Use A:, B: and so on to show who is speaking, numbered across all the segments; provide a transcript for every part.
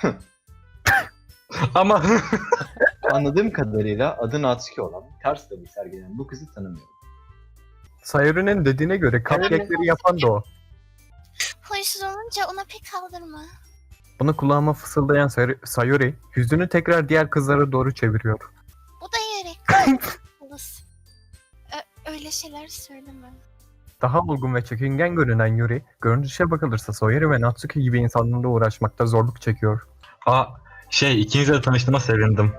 A: Ama
B: Anladığım kadarıyla adı Natsuki olan, ters tabi sergileyen bu kızı tanımıyorum.
C: Sayori'nin dediğine göre cupcake'leri yapan da o.
D: Huysuz olunca ona pek aldırma.
C: Bunu kulağıma fısıldayan Sayori yüzünü tekrar diğer kızlara doğru çeviriyor.
D: Bu da yere kalız. Öyle şeyler söyleme.
C: Daha olgun ve çekingen görünen Yuri, görünüşe bakılırsa Sayori ve Natsuki gibi insanlarla uğraşmakta zorluk çekiyor.
A: ikinizle de tanıştığıma sevindim.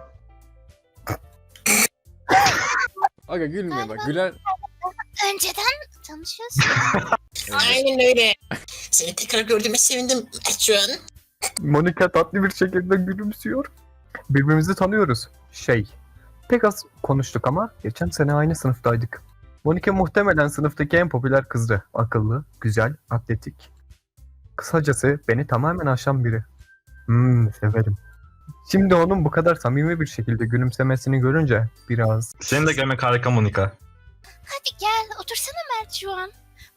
E: Aga gülme bak güler.
D: Önceden tanışıyorsun.
F: Aynen öyle. Seni tekrar gördüğüme sevindim Mertcan.
C: Monika tatlı bir şekilde gülümsüyor. Birbirimizi tanıyoruz. Pek az konuştuk ama geçen sene aynı sınıftaydık. Monika muhtemelen sınıftaki en popüler kızdı. Akıllı, güzel, atletik. Kısacası beni tamamen aşan biri. Severim. Şimdi onun bu kadar samimi bir şekilde gülümsemesini görünce biraz...
A: Seni de görmek harika Monika.
D: Hadi gel otursana Mert şu an.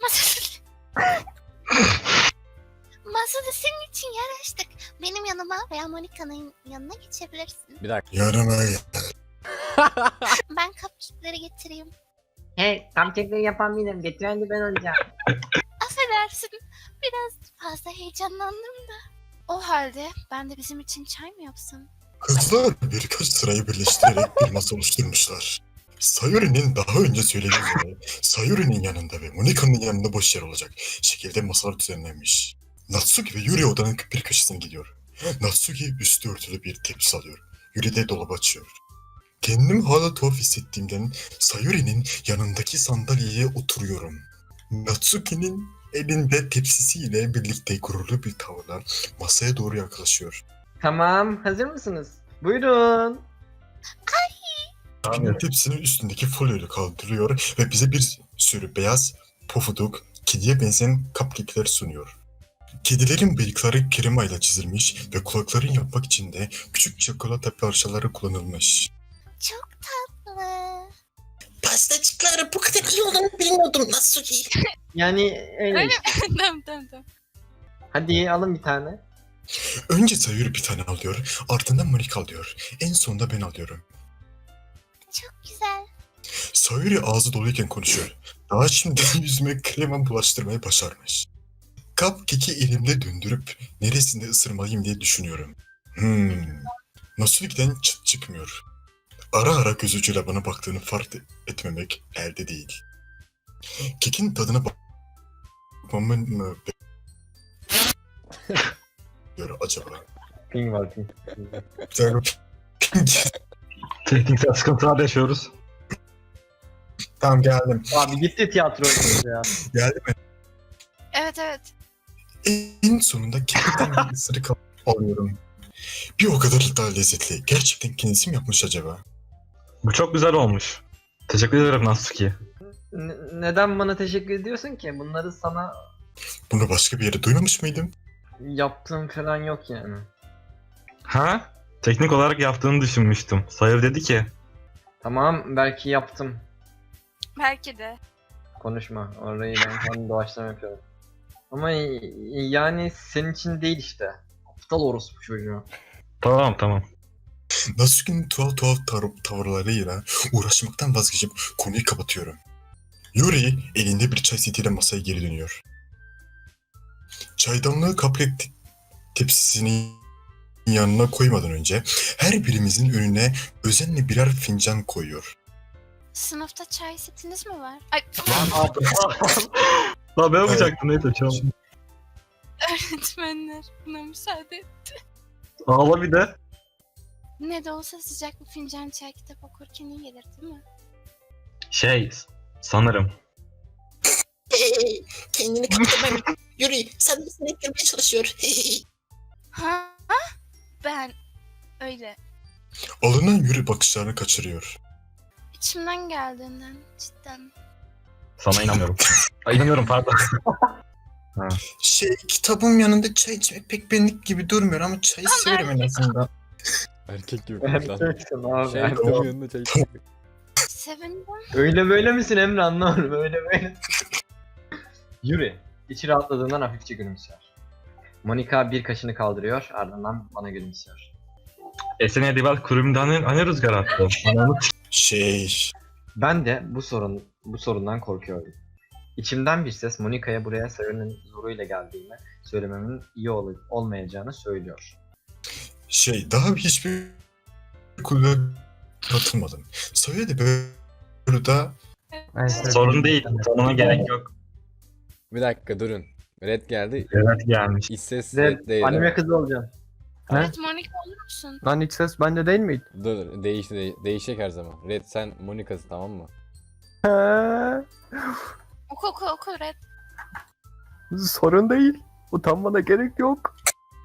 D: Masada senin için yer açtık. Benim yanıma veya Monika'nın yanına geçebilirsin.
E: Bir dakika.
F: Yanıma gel.
D: Ben cupcake'leri getireyim.
G: Hey, cupcake'leri yapan benim. Getiren de ben olacağım.
D: Affedersin. Biraz fazla heyecanlandım da. O halde ben de bizim için çay mı yapsam?
F: Kızlar birkaç sırayı birleştirerek bir masa oluşturmuşlar. Sayori'nin daha önce söylediği gibi Sayori'nin yanında ve Monika'nın yanında boş yer olacak şekilde masalar düzenlenmiş. Natsuki ve Yuri odanın bir köşesine gidiyor. Natsuki üstü örtülü bir tepsi alıyor. Yuri de dolabı açıyor. Kendimi hala tuhaf hissettiğimden Sayori'nin yanındaki sandalyeye oturuyorum. Natsuki'nin elinde tepsisiyle birlikte gururlu bir tavırla masaya doğru yaklaşıyor.
G: Tamam, hazır mısınız? Buyurun.
F: Natsuki'nin tepsinin üstündeki folyoyu kaldırıyor ve bize bir sürü beyaz, pofuduk, kediye benzeyen cupcake'ler sunuyor. Kedilerin bıyıkları kremayla çizilmiş ve kulaklarını yapmak için de küçük çikolata parçaları kullanılmış.
D: Çok tatlı.
F: Pastacıkları bu kadar iyi olduğunu bilmiyordum Natsuki.
G: Yani öyle
D: Öyle
G: işte.
D: Tamam.
G: Hadi alın bir tane.
F: Önce Sayuri bir tane alıyor, ardından Monika alıyor. En sonunda ben alıyorum.
D: Çok güzel.
F: Sayuri ağzı doluyken konuşuyor. Daha şimdi yüzüme krema bulaştırmayı başarmış. Cupcake'i elimde döndürüp neresinde ısırmalıyım diye düşünüyorum. Natsuki'den çıt çıkmıyor. Ara ara göz ucuyla bana baktığını fark etmemek elde değil. Kekin tadına bakmamın mı bekliyor acaba?
B: Ping var ping.
A: Tekniksel sıkıntılar yaşıyoruz.
F: Tamam geldim.
B: Abi gitti tiyatro ya.
F: Geldim mi?
D: Evet.
F: En sonunda kekten bir ısırık alıyorum. Bir o kadar daha lezzetli. Gerçekten kendisi mi yapmış acaba?
A: Bu çok güzel olmuş. Teşekkür ederim Natsuki.
G: Neden bana teşekkür ediyorsun ki? Bunları sana
F: Bunu başka bir yere duymamış mıydım?
G: yaptığım falan yok yani.
A: Ha? Teknik olarak yaptığını düşünmüştüm. Sayır dedi ki.
G: Tamam, belki yaptım.
D: Belki de.
G: Konuşma. Orayı ben kendi doğaçlama yapıyorum. Ama yani senin için değil işte. Aptal orospu çocuğu.
A: Tamam.
F: Natsuki'nin tuhaf tavırlarıyla uğraşmaktan vazgeçip konuyu kapatıyorum. Yuri elinde bir çay setiyle masaya geri dönüyor. Çaydanlığı cupcake tepsisinin yanına koymadan önce her birimizin önüne özenle birer fincan koyuyor.
D: Sınıfta çay setiniz mi var? Ay
A: Lan ben yapacaktım neyse çal.
D: öğretmenler buna müsaade.
A: Ağla bir de.
D: Ne de olsa sıcak bir fincan çay kitap okurken iyi gelir değil mi?
A: Sanırım.
F: Kendini kapatma. Yuri sen de seni ettirmeye çalışıyor.
D: Ha? Ben öyle.
F: Alınan Yuri bakışlarını kaçırıyor.
D: İçimden geldiğinden cidden.
A: Sana inanmıyorum. İnanıyorum pardon.
F: Kitabın yanında çay içmek pek benlik gibi durmuyor ama çayı severim en azından.
E: Erkek gibi konuş lan.
B: Erkeksin abi.
E: Şey kitabın yanında çay içmek.
D: Sevindim.
G: Öyle böyle misin Emre, anlamadım. Öyle böyle. Yuri, içi rahatladığından hafifçe gülümser. Monika bir kaşını kaldırıyor, ardından bana gülümsüyor.
A: Esene Dival kulübümden hani rüzgar attı. Ananı
G: Ben de bu sorundan korkuyorum. İçimden bir ses Monika'ya buraya Sayori'nin zoruyla geldiğini söylememin iyi olmayacağını söylüyor.
F: Daha hiçbir kulübe katılmadım. Sayori de burada
A: sorun değil. Sonuna gerek yok.
E: Bir dakika durun. Red geldi.
A: Evet gelmiş.
E: İç ses
G: Red,
E: red değil.
G: anime kızı olacaksın.
C: Ne?
D: Evet Monika olur musun?
C: Lan iç ses bende değil miydi?
E: Dur değişecek her zaman. Red sen Monika'sın tamam mı?
C: He,
D: Oku Red.
C: sorun değil. Utanmana gerek yok.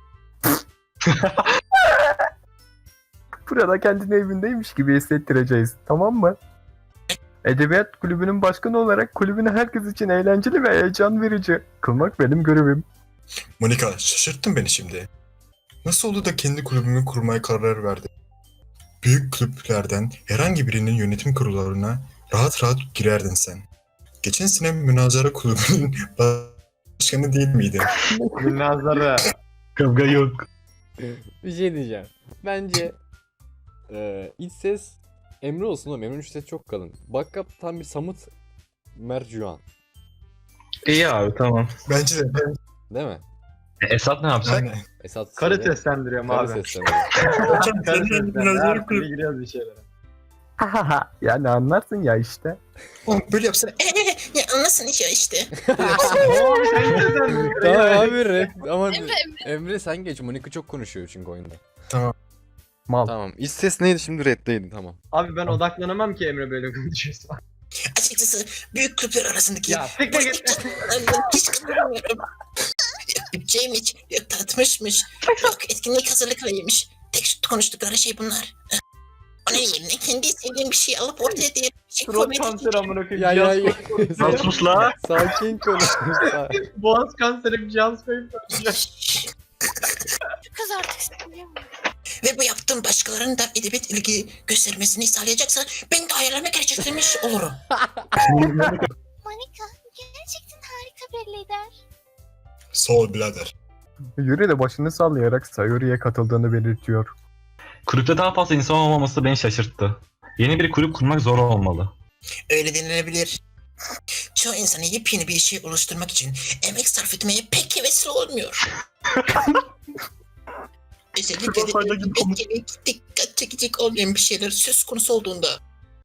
C: Burada kendini evindeymiş gibi hissettireceğiz. Tamam mı? Edebiyat kulübünün başkanı olarak kulübünü herkes için eğlenceli ve heyecan verici kılmak benim görevim.
F: Monika şaşırttın beni şimdi. Nasıl oldu da kendi kulübümü kurmaya karar verdin? Büyük kulüplerden herhangi birinin yönetim kurullarına rahat rahat girerdin sen. Geçen sene münazara kulübünün başkanı değil miydin?
G: Münazara.
A: Kavga yok.
E: Bir şey diyeceğim. Bence iç ses Emre olsun oğlum. Emre'nin iç ses çok kalın. Backup tam bir Samut Mercuan.
A: İyi abi tamam.
F: Bence de.
E: Değil mi?
A: Esat ne yapacak?
F: Aynen.
E: Esat
G: Karı
E: söyle.
G: seslendiriyorum
E: Karı
G: abi.
E: sesleniyor.
G: Karı
F: Münazara
G: seslendiriyorum.
F: kulübü.
G: Giriyoruz bir şeylere.
C: Yani anlarsın ya işte.
F: Oğlum böyle yapsana.
H: Ya anlasın işte.
G: Oo, sen seslendiriyorsun.
E: Tamam abi Red. Ama
D: Emre.
E: Emre sen geç. Monika çok konuşuyor çünkü oyunda.
C: Mal.
E: Tamam. İç ses neydi şimdi Red'deydi tamam.
G: Abi ben odaklanamam ki Emre böyle konuşuyorsa.
H: Açıkçası büyük kulüpler arasındaki
G: Ya siktir git.
H: hiç katılmıyorum. Yok bütçeymiş, yok tatmışmış, yok etkinlik hazırlıklarıymış. Tek konuştukları şey bunlar. Onun yerine kendi istediğim bir şey alıp ortaya diye bir şey
G: Surat
H: koymayı
G: kanseri amına koyayım.
E: Ya
G: Cihaz
E: ya.
G: koyup
A: Lan sus la.
E: Sakin konuş.
G: Boğaz kanseri bir cihaz koyup konuşuyor.
D: Şu kız artık sinirleniyor mu?
H: Ve bu yaptığım başkalarının da edebiyat ilgi göstermesini sağlayacaksa ben de hayallerime gerçekleştirmiş olurum.
D: Monika gerçekten harika bir lider.
F: Sağ ol birader.
C: Yuri de başını sallayarak Sayori'ye katıldığını belirtiyor.
A: Kulüpte daha fazla insan olmaması beni şaşırttı. Yeni bir kulüp kurmak zor olmalı.
H: Öyle denilebilir. Çoğu insanı yepyeni bir şey oluşturmak için emek sarf etmeye pek hevesli olmuyor. Özellikle de etkili, dikkat çekecek olmayan bir şeyler söz konusu olduğunda.